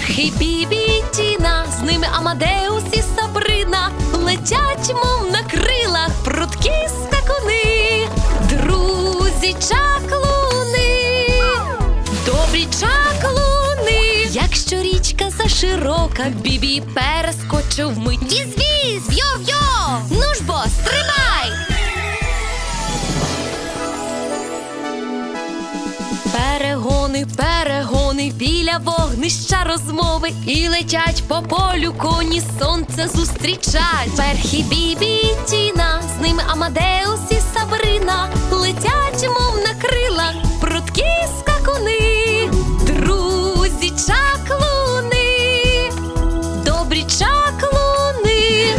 Верхи Бібі і Тіна, з ними Амадеус і Сабрина. Летять, мов на крилах, прудкі скакуни. Друзі чаклуни, добрі чаклуни. Якщо річка заширока, Бібі перескочив вмить. Віз-віз, йо-йо, ну ж бо, стрибай! Перегони, перегони, біля вогнища розмови. І летять по полю коні, сонце зустрічать. Верхи Бібі і Тіна, з ними Амадеус і Сабрина. Летять, мов на крилах, прудкі скакуни. Друзі чаклуни, добрі чаклуни.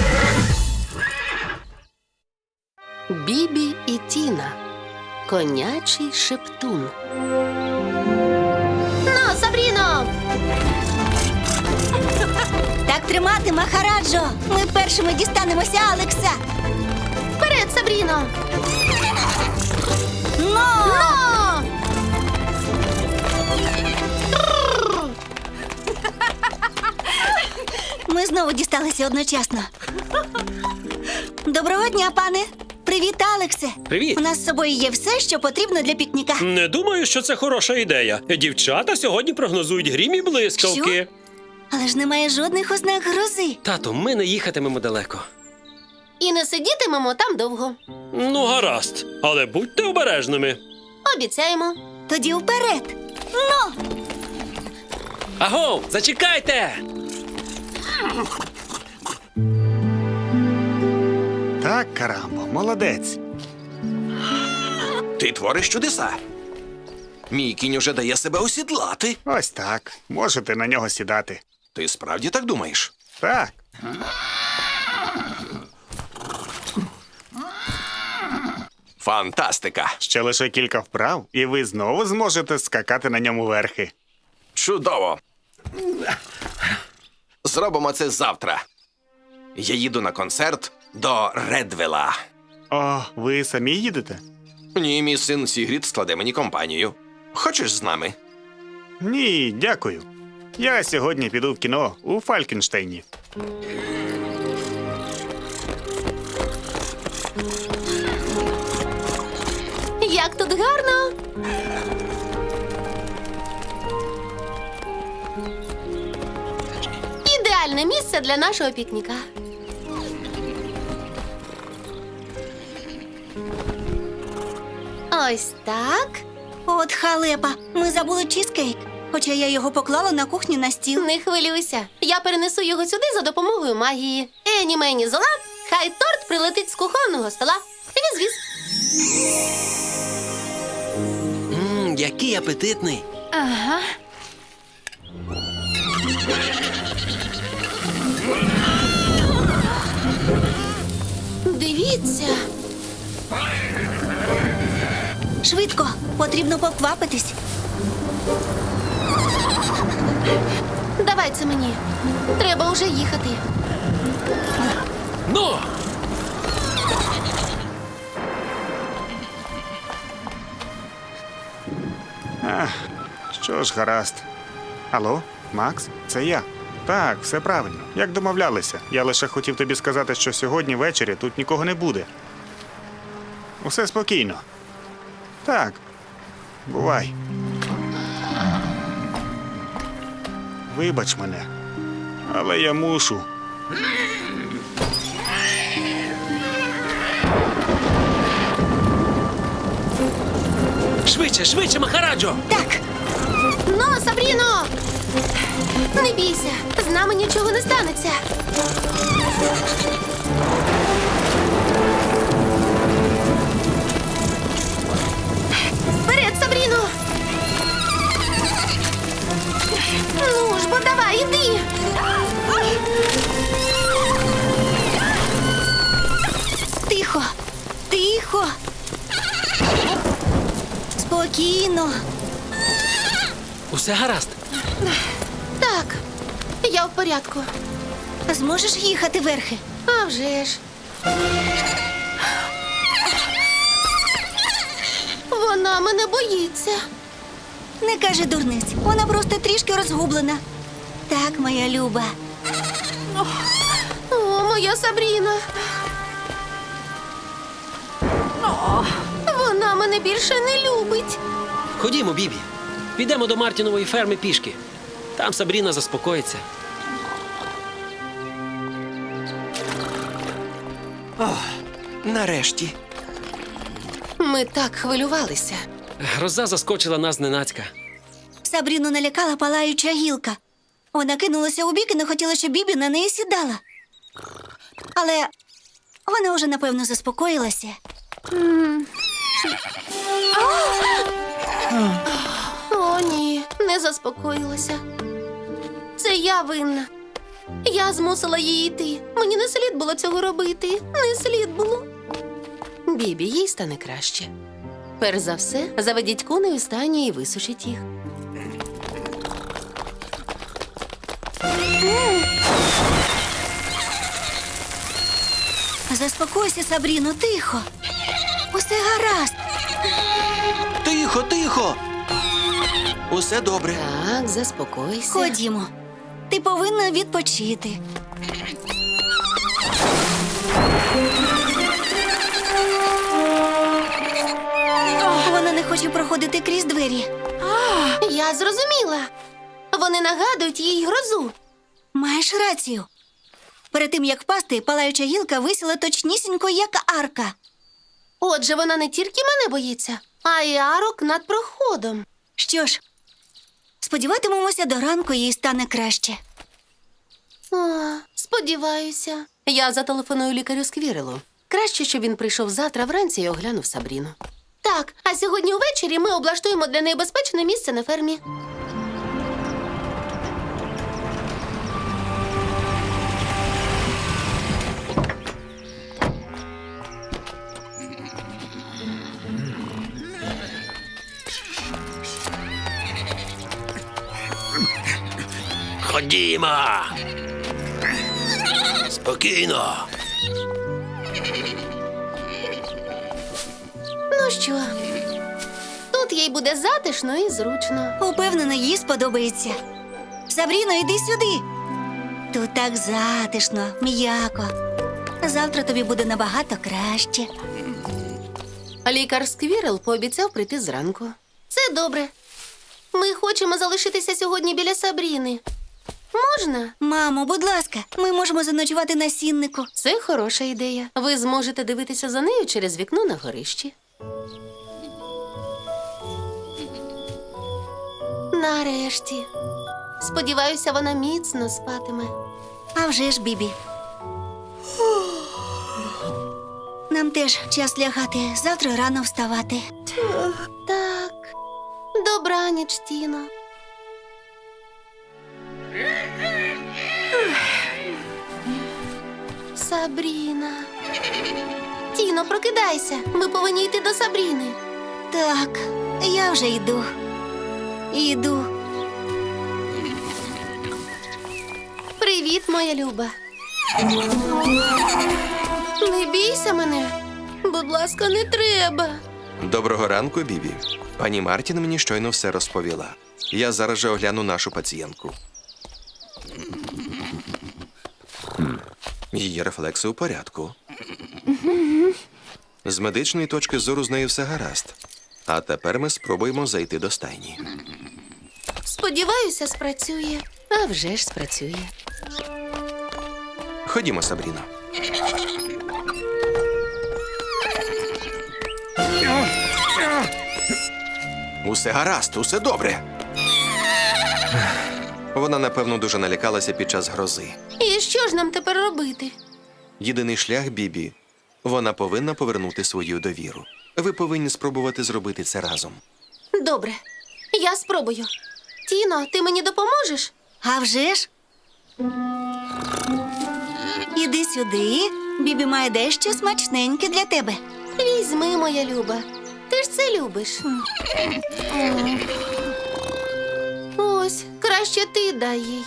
Бібі і Тіна. Конячий шептун. Ну, Сабріно! Так тримати, Махараджо! Ми першими дістанемося Алекса! Вперед, Сабріно! Но! Ми знову дісталися одночасно. Доброго дня, пане! Привіт, Алексе! Привіт. У нас з собою є все, що потрібно для пікніка. Не думаю, що це хороша ідея. Дівчата сьогодні прогнозують грім і блискавки. Що? Але ж немає жодних ознак грози. Тату, ми не їхатимемо далеко. І не сидітимемо там довго. Ну, гаразд. Але будьте обережними. Обіцяємо. Тоді вперед! Ну! Агов, зачекайте! Так, Карамбо, молодець. Ти твориш чудеса. Мій кінь уже дає себе осідлати. Ось так. Можете на нього сідати. Ти справді так думаєш? Так. Фантастика! Ще лише кілька вправ, і ви знову зможете скакати на ньому верхи. Чудово! Зробимо це завтра. Я їду на концерт до Редвела. О, ви самі їдете? Ні, мій син Сігрід складе мені компанію. Хочеш з нами? Ні, дякую. Я сьогодні піду в кіно у Фалькенштейні. Як тут гарно! Ідеальне місце для нашого пікніка. Ось так. От халепа, ми забули чізкейк. Хоча я його поклала на кухні на стіл. Не хвилюйся. Я перенесу його сюди за допомогою магії. Ені мені зола, хай торт прилетить з кухонного стола. Віз-віз. Який апетитний. Ага. Дивіться. Швидко, потрібно поквапитись. Давай це мені. Треба уже їхати. Ну! Що ж, гаразд. Алло, Макс, це я. Так, все правильно. Як домовлялися. Я лише хотів тобі сказати, що сьогодні ввечері тут нікого не буде. Усе спокійно. Так. Бувай. Вибач мене. Але я мушу. Швидше, швидше, Махараджо! Так, Ну, Сабріно! Не бійся, з нами нічого не станеться. Вперед, Сабріно! Ну ж, бо давай, іди! тихо, тихо. Спокійно. Усе гаразд. Так, я в порядку. Зможеш їхати верхи? А вже ж. Вона мене боїться. Не кажи дурниць, вона просто трішки розгублена. Так, моя люба. О, моя Сабріна. Вона мене більше не любить. Ходімо, Бібі. Підемо до Мартінової ферми пішки. Там Сабріна заспокоїться. Нарешті. Ми так хвилювалися. Гроза заскочила нас зненацька. Сабріну налякала палаюча гілка. Вона кинулася у бік і не хотіла, щоб Бібі на неї сідала. Але вона вже, напевно, заспокоїлася. О, ні, не заспокоїлася. Це я винна. Я змусила її йти. Мені не слід було цього робити. Не слід було. Бібі, їй стане краще. Перш за все, заведіть коней у стані і висушіть їх. Заспокойся, Сабріно, тихо. Усе гаразд. Тихо, тихо. Усе добре. Так, заспокойся. Ходімо. Ти повинна відпочити. Вона не хоче проходити крізь двері. Я зрозуміла. Вони нагадують їй грозу. Маєш рацію. Перед тим, як впасти, палаюча гілка висіла точнісінько, як арка. Отже, вона не тільки мене боїться, а й арок над проходом. Що ж, сподіватимемося, до ранку їй стане краще. О, сподіваюся. Я зателефоную лікарю Сквірелу. Краще, щоб він прийшов завтра вранці і оглянув Сабріну. Так, а сьогодні увечері ми облаштуємо для неї безпечне місце на фермі. Ходімо! Спокійно. Ну що, тут їй буде затишно і зручно. Упевнена, їй сподобається. Сабріно, йди сюди. Тут так затишно, м'яко. Завтра тобі буде набагато краще. Лікар Сквірел пообіцяв прийти зранку. Це добре. Ми хочемо залишитися сьогодні біля Сабріни. Можна? Мамо, будь ласка, ми можемо заночувати на сіннику. Це хороша ідея. Ви зможете дивитися за нею через вікно на горищі. Нарешті. Сподіваюся, вона міцно спатиме. А вже ж, Бібі. Нам теж час лягати, завтра рано вставати. Так. Добраніч, Тіно. Сабріна. Тіно, прокидайся. Ми повинні йти до Сабріни. Так, я вже йду. Іду. Привіт, моя люба. Не бійся мене. Будь ласка, не треба. Доброго ранку, Бібі. Пані Мартін мені щойно все розповіла. Я зараз же огляну нашу пацієнтку. Її рефлекси у порядку. З медичної точки зору з нею все гаразд. А тепер ми спробуємо зайти до стайні. Сподіваюся, спрацює. А вже ж спрацює. Ходімо, Сабріно. Усе гаразд, усе добре. Вона, напевно, дуже налякалася під час грози. І що ж нам тепер робити? Єдиний шлях, Бібі, вона повинна повернути свою довіру. Ви повинні спробувати зробити це разом. Добре, я спробую. Тіно, ти мені допоможеш? А вже ж? Іди сюди. Бібі має дещо смачненьке для тебе. Візьми, моя люба. Ти ж це любиш. Ось, краще ти дай їй.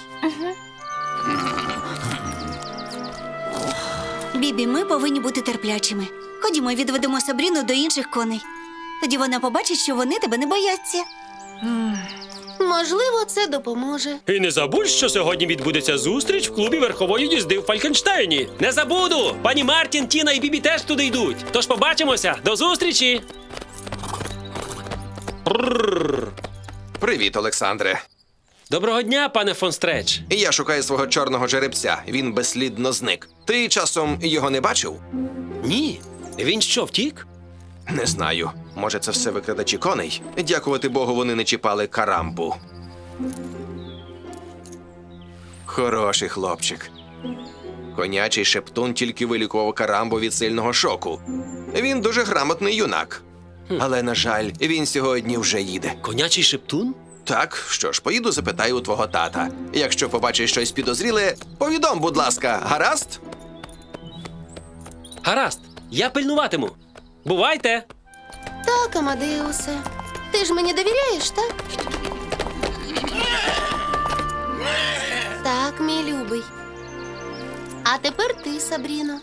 Бібі, ми повинні бути терплячими. Ходімо, відведемо Сабріну до інших коней. Тоді вона побачить, що вони тебе не бояться. Можливо, це допоможе. І не забудь, що сьогодні відбудеться зустріч в клубі верхової їзди в Фалькенштейні. Не забуду! Пані Мартін, Тіна і Бібі теж туди йдуть. Тож побачимося. До зустрічі! Привіт, Олександре. Доброго дня, пане фон Стреч. Я шукаю свого чорного жеребця. Він безслідно зник. Ти часом його не бачив? Ні. Він що, втік? Не знаю. Може, це все викрадачі коней? Дякувати Богу, вони не чіпали карамбу. Хороший хлопчик. Конячий шептун тільки вилікував карамбу від сильного шоку. Він дуже грамотний юнак. Але, на жаль, він сьогодні вже їде. Конячий шептун? Так, що ж, поїду запитаю у твого тата. Якщо побачиш щось підозріле, повідом, будь ласка, гаразд? Гаразд, я пильнуватиму. Бувайте! Так, Амадеусе. Ти ж мені довіряєш, так? Так, мій любий. А тепер ти, Сабріно.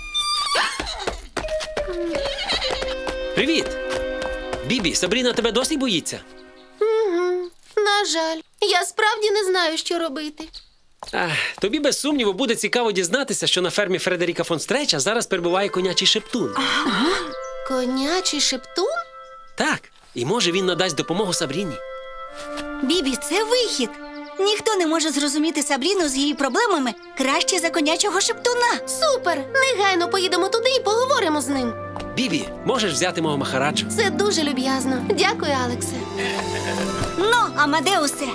Привіт! Бібі, Сабріна тебе досі боїться? На жаль, я справді не знаю, що робити. Тобі без сумніву буде цікаво дізнатися, що на фермі Фредеріка фон Стреча зараз перебуває конячий шептун. Конячий шептун? Так, і може він надасть допомогу Сабріні. Бібі, це вихід. Ніхто не може зрозуміти Сабріну з її проблемами краще за конячого шептуна. Супер! Негайно поїдемо туди і поговоримо з ним. Бібі, можеш взяти мого Махараджу? Це дуже люб'язно. Дякую, Алексе. Ну, Амадеусе,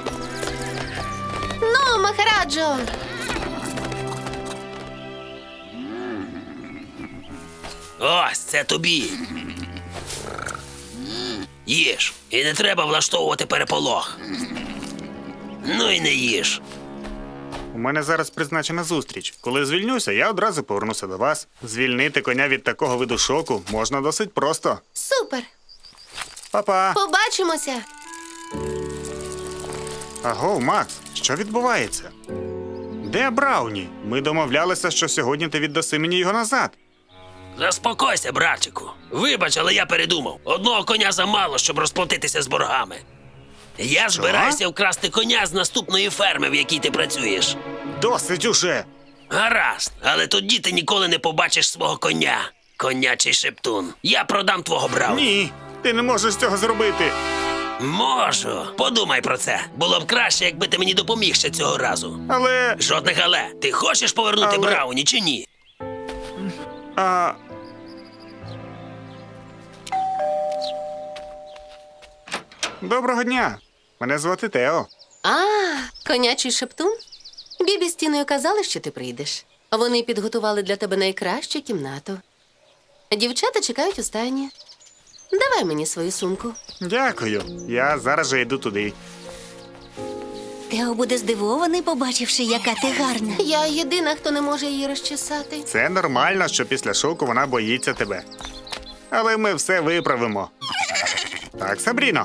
Ну, Махараджо! Ось це тобі. Їж. І не треба влаштовувати переполох. Ну і не їж. У мене зараз призначена зустріч. Коли звільнюся, я одразу повернуся до вас. Звільнити коня від такого виду шоку можна досить просто. Супер! Па-па! Побачимося! Аго, Макс, що відбувається? Де Брауні? Ми домовлялися, що сьогодні ти віддаси мені його назад. Заспокойся, братчику. Вибач, але я передумав. Одного коня замало, щоб розплатитися з боргами. Я збираюся вкрасти коня з наступної ферми, в якій ти працюєш. Досить уже! Гаразд, але тоді ти ніколи не побачиш свого коня. Конячий шептун. Я продам твого Брауні. Ні, ти не можеш цього зробити. Можу. Подумай про це. Було б краще, якби ти мені допоміг ще цього разу. Але. Жодних але. Ти хочеш повернути Але- Брауні чи ні? А... Доброго дня. Мене звати Тео. Конячий шептун? Бібі з Тіною казали, що ти прийдеш. Вони підготували для тебе найкращу кімнату. Дівчата чекають у стайні. Давай мені свою сумку. Дякую. Я зараз же йду туди. Тео буде здивований, побачивши, яка ти гарна. Я єдина, хто не може її розчесати. Це нормально, що після шоку вона боїться тебе. Але ми все виправимо. Так, Сабріно.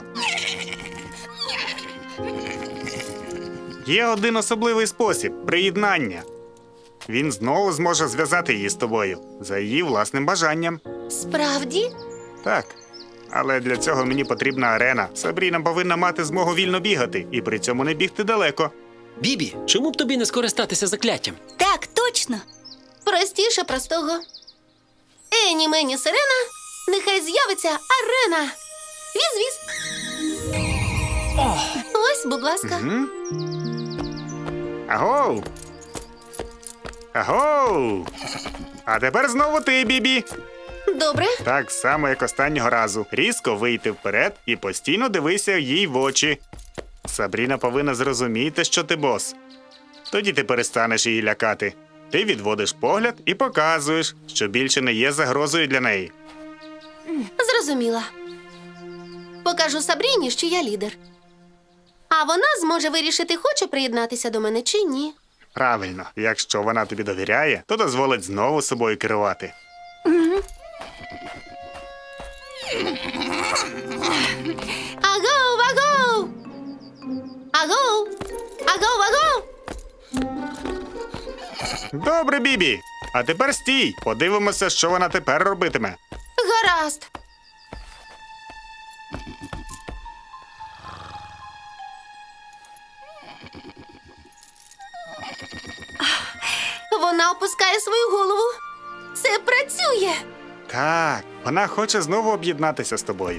Є один особливий спосіб приєднання. Він знову зможе зв'язати її з тобою за її власним бажанням. Справді? Так. Але для цього мені потрібна арена. Сабріна повинна мати змогу вільно бігати і при цьому не бігти далеко. Бібі, чому б тобі не скористатися закляттям? Так, точно. Простіше простого. Ені мені сирена, нехай з'явиться арена. Віз-віз. Ось, будь ласка. Агоу! Агоу! А тепер знову ти, Бібі. Добре. Так само, як останнього разу. Різко вийти вперед і постійно дивися їй в очі. Сабріна повинна зрозуміти, що ти бос. Тоді ти перестанеш її лякати. Ти відводиш погляд і показуєш, що більше не є загрозою для неї. Зрозуміла. Покажу Сабріні, що я лідер. А вона зможе вирішити, хоче приєднатися до мене чи ні. Правильно, якщо вона тобі довіряє, то дозволить знову собою керувати. Агоу, агоу! Агоу! Агоу, агоу! Добре, Бібі. А тепер стій. Подивимося, що вона тепер робитиме. Гаразд. Ага. опускає свою голову. Це працює. Так, вона хоче знову об'єднатися з тобою.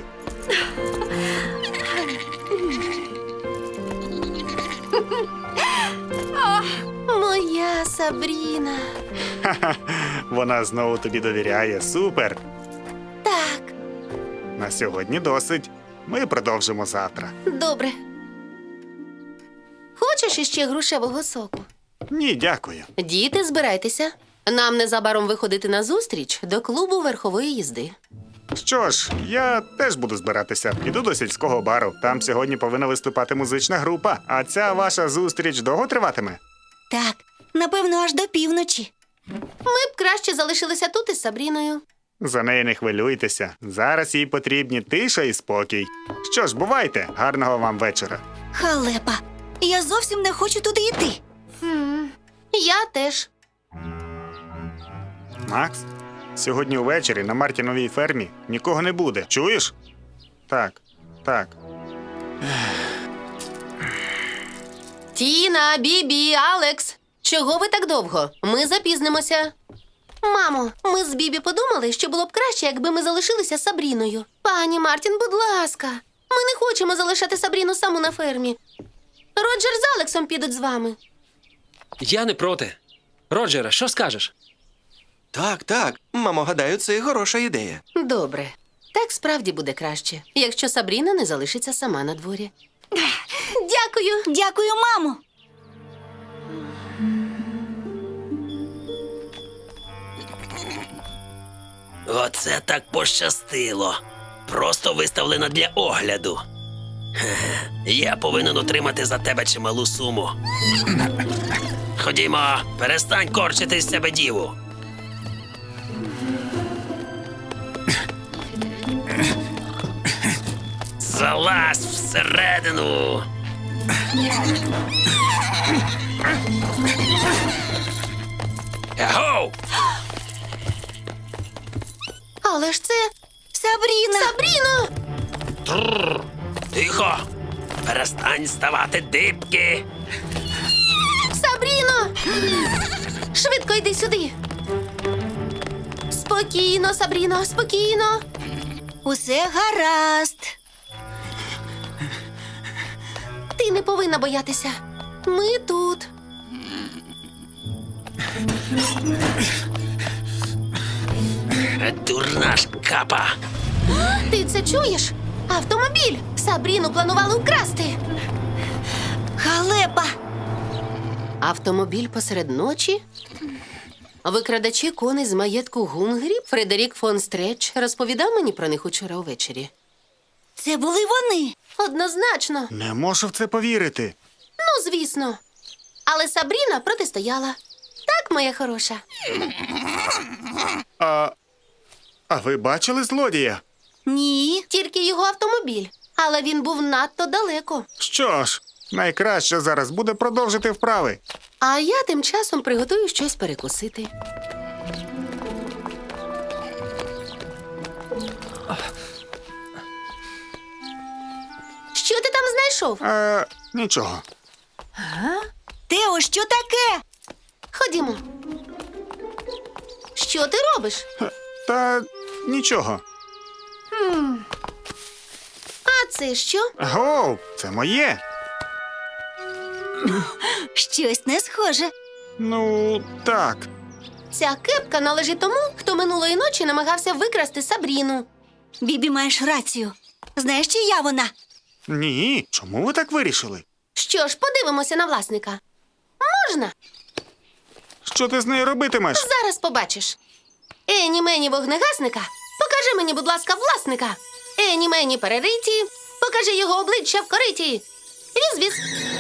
Моя Сабріна. Вона знову тобі довіряє. Супер! Так, На сьогодні досить. Ми продовжимо завтра. добре. Хочеш іще грушевого соку? Ні, дякую. Діти, збирайтеся. Нам незабаром виходити на зустріч до клубу верхової їзди. Що ж, я теж буду збиратися. Піду до сільського бару. Там сьогодні повинна виступати музична група. А ця ваша зустріч довго триватиме? Так, напевно, аж до півночі. Ми б краще залишилися тут із Сабріною. За неї не хвилюйтеся. Зараз їй потрібні тиша і спокій. Що ж, бувайте. Гарного вам вечора. Халепа, я зовсім не хочу туди йти. Я теж. Макс, сьогодні увечері на Мартіновій фермі нікого не буде. Чуєш? Так, так. Тіна, Бібі, Алекс. Чого ви так довго? Ми запізнимося. Мамо, ми з Бібі подумали, що було б краще, якби ми залишилися з Сабріною. Пані Мартін, будь ласка, ми не хочемо залишати Сабріну саму на фермі. Роджер з Алексом підуть з вами. Я не проти. Роджере, що скажеш? Так, так. Мамо, гадаю, це хороша ідея. Добре. Так справді буде краще, якщо Сабріна не залишиться сама на дворі. Дякую. Дякую, мамо. Оце так пощастило. Просто виставлена для огляду. Хе-хе. Я повинен отримати за тебе чималу суму. Ходімо, перестань корчити з себе діву. Залазь всередину. Егоу! Але ж це Сабріна! Сабріно! Тихо! Перестань ставати дибки! Сабріно! Швидко йди сюди. Спокійно, Сабріно, спокійно. Усе гаразд. Ти не повинна боятися. Ми тут. Дурна шкапа! Ти це чуєш? Автомобіль! Сабріну планували вкрасти. Халепа! Автомобіль посеред ночі? Викрадачі коней з маєтку Гунгрі Фредерік фон Стреч розповідав мені про них учора увечері. Це були вони. Однозначно. Не можу в це повірити. Ну, звісно. Але Сабріна протистояла. Так, моя хороша. А ви бачили злодія? Ні. Тільки його автомобіль. Але він був надто далеко. Що ж, найкраще зараз буде продовжити вправи. А я тим часом приготую щось перекусити. Що ти там знайшов? Нічого. Тео, що таке? Ходімо. Що ти робиш? Та нічого. А це що? Гоу, це моє. Щось не схоже. Ну, так. Ця кепка належить тому, хто минулої ночі намагався викрасти Сабріну. Бібі, маєш рацію. Знаєш, чия вона? Ні. Чому ви так вирішили? Що ж, подивимося на власника. Можна? Що ти з нею робитимеш? Зараз побачиш. Ені мені вогнегасника. Покажи мені, будь ласка, власника. Ені мені перериті. Покажи його обличчя в кориті. Віз-віз.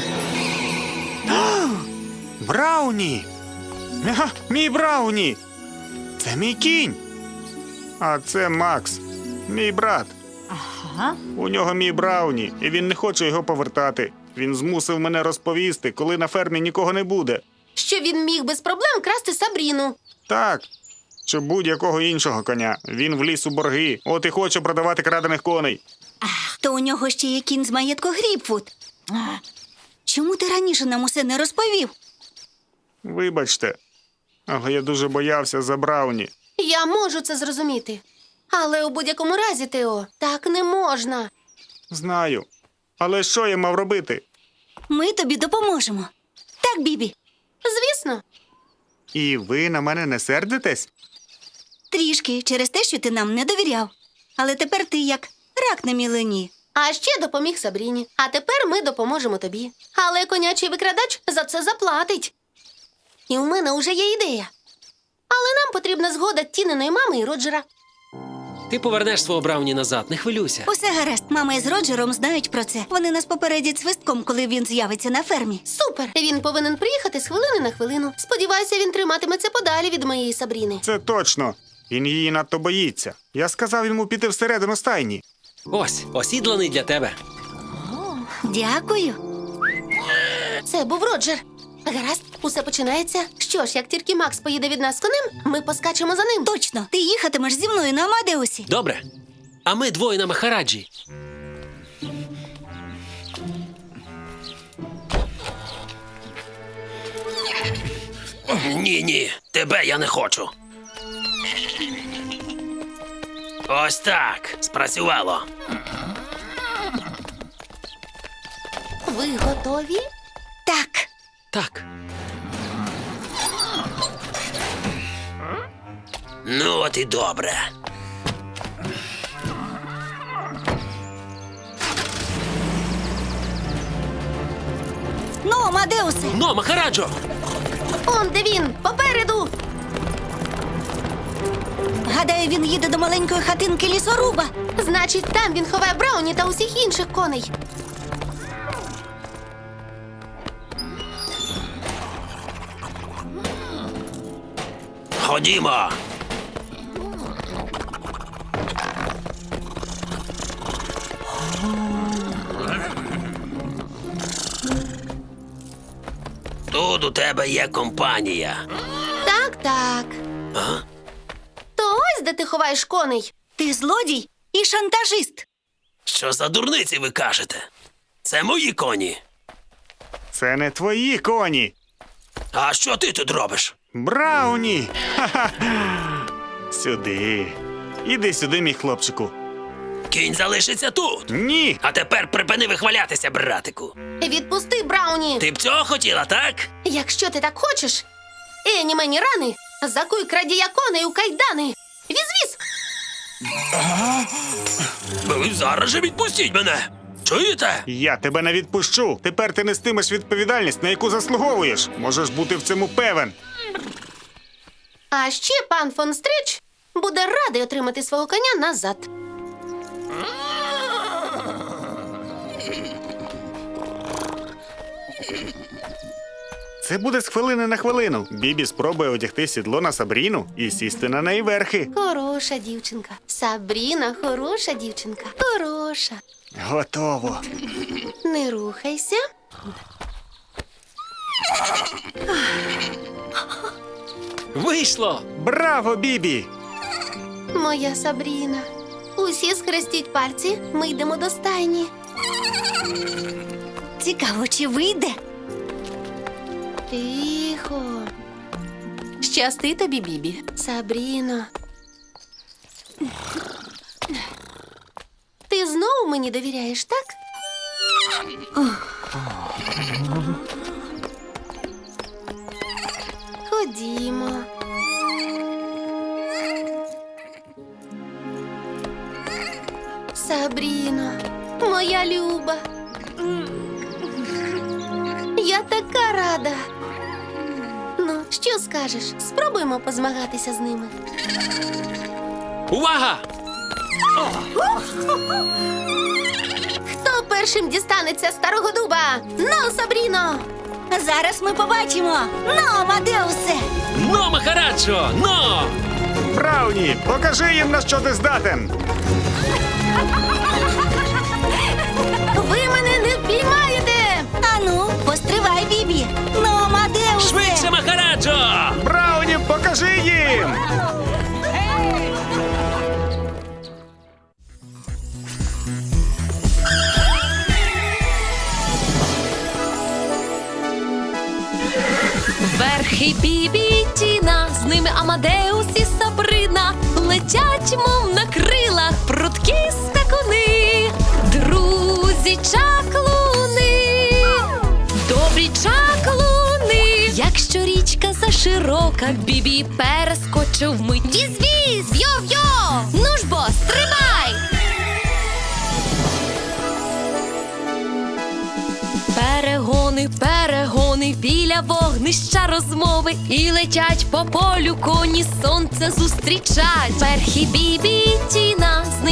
Брауні! Ага, мій Брауні! Це мій кінь. А це Макс, мій брат. Ага. У нього мій Брауні, і він не хоче його повертати. Він змусив мене розповісти, коли на фермі нікого не буде. Що він міг без проблем красти Сабріну. Так, чи будь-якого іншого коня. Він вліз у борги, от і хоче продавати крадених коней. То у нього ще є кінь з маєтку Гріпфуд. Чому ти раніше нам усе не розповів? Вибачте. Але я дуже боявся за Брауні. Я можу це зрозуміти. Але у будь-якому разі, Тео, так не можна. Знаю. Але що я мав робити? Ми тобі допоможемо. Так, Бібі? Звісно. І ви на мене не сердитесь? Трішки через те, що ти нам не довіряв. Але тепер ти як рак на мілені. А ще допоміг Сабріні. А тепер ми допоможемо тобі. Але конячий викрадач за це заплатить. І у мене уже є ідея. Але нам потрібна згода Тіниної мами і Роджера. Ти повернеш свого Брауні назад, не хвилюйся. Усе гаразд, мама із Роджером знають про це. Вони нас попередять свистком, коли він з'явиться на фермі. Супер! Він повинен приїхати з хвилини на хвилину. Сподіваюся, він триматиметься подалі від моєї Сабріни. Це точно. Він її надто боїться. Я сказав йому піти всередину стайні. Ось, осідланий для тебе. Дякую. Це був Роджер. Гаразд, усе починається. Що ж, як тільки Макс поїде від нас конем, ми поскачемо за ним. Точно, ти їхатимеш зі мною на Амадеусі. Добре. А ми двоє на Махараджі. Ні, тебе я не хочу. Ось так. Спрацювало. Ви готові? Так. Так. Ну, от і добре. Ну, Амадеусе. Ну, Махараджо! Он де він! Попереду! Гадаю, він їде до маленької хатинки лісоруба. Значить, там він ховає Брауні та усіх інших коней. Ходімо. Тут у тебе є компанія. Так, так. А? То ось де ти ховаєш коней. Ти злодій і шантажист. Що за дурниці ви кажете? Це мої коні. Це не твої коні. А що ти тут робиш? Брауні! Ха-ха! Сюди. Іди сюди, мій хлопчику. Кінь залишиться тут. Ні! А тепер припини вихвалятися, братику. Відпусти Брауні. Ти б цього хотіла, так? Якщо ти так хочеш. Ені мені рани, закуй крадія коней у кайдани. Віз-віз! Ви зараз же відпустіть мене. Чуєте? Я тебе не відпущу. Тепер ти нестимеш відповідальність, на яку заслуговуєш. Можеш бути в цьому певен. А ще пан фон Стрич буде радий отримати свого коня назад. Це буде з хвилини на хвилину. Бібі спробує одягти сідло на Сабріну і сісти на неї верхи. Хороша дівчинка. Сабріна, хороша дівчинка. Хороша. Готово. Не рухайся. Вийшло! Браво, Бібі! Моя Сабріна. Усі схрестіть пальці, ми йдемо до стайні. Цікаво, чи вийде? Тихо. Щасти тобі, Бібі. Сабріно. Ти знову мені довіряєш, так? Ходімо. Сабріно, моя люба. Я така рада. Ну, що скажеш? Спробуємо позмагатися з ними. Увага! Хто першим дістанеться старого дуба? Ну, Сабріно! Зараз ми побачимо. Ну, Амадеусе! Ну, Махараджо! Ну! Брауні, покажи їм, на що ти здатен. Ви мене не впіймаєте! Ану, постривай, Бібі. Ну, Амадеусе! Швидше, Махараджо! Брауні, покажи їм! Верхи Бібі і Тіна Амадеус і Сабрина летять, мов на крилах, прудкі скакуни, друзі чаклуни, добрі чаклуни. Якщо річка заширока, Бібі перескочив вмить. Віз-віз, йо-йо, ну ж бо, стрибай! Перегони, перегони, біля вогнища розмови, і летять по полю коні, сонце зустрічать. Перхі Бібі і Тіна